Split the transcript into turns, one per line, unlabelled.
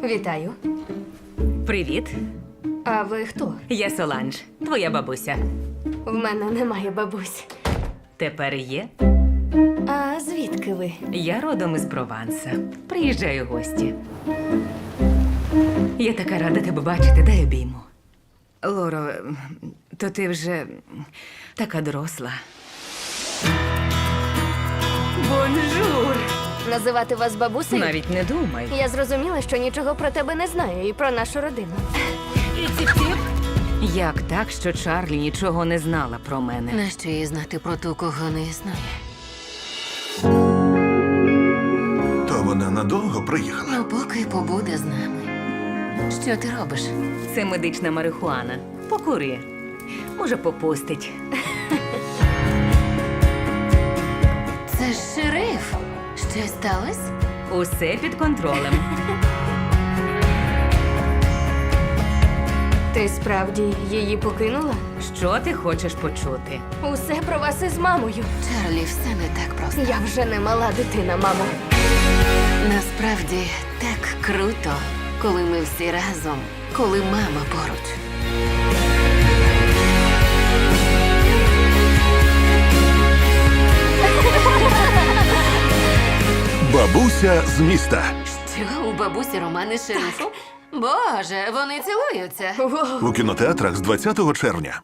Вітаю.
Привіт,
А ви хто?
я Соланж, твоя бабуся.
В мене немає бабусь.
Тепер є.
А звідки ви?
Я родом із Прованса. Приїжджаю в гості. Я така рада тебе бачити, дай обійму. Лоро, то ти вже така доросла. Бонжур!
Називати вас бабусею?
Навіть не думай.
Я зрозуміла, що нічого про тебе не знаю і про нашу родину.
Як так, що Чарлі нічого не знала про мене?
Нащо їй знати про ту, кого не існує?
То вона надовго приїхала.
Ну, поки побуде з нами. Що ти робиш?
Це медична марихуана. Покури. Може, попустить.
Це ж шериф. Щось сталося?
Усе під контролем.
Ти справді її покинула?
Що ти хочеш почути?
Усе про вас із мамою.
Чарлі, все не так просто.
Я вже не мала дитина, мамо.
Насправді так круто, коли ми всі разом, коли мама поруч.
Бабуся з міста.
Що, у бабусі романи з шерифом? Боже, вони цілуються.
Воу.
У кінотеатрах з 20 червня.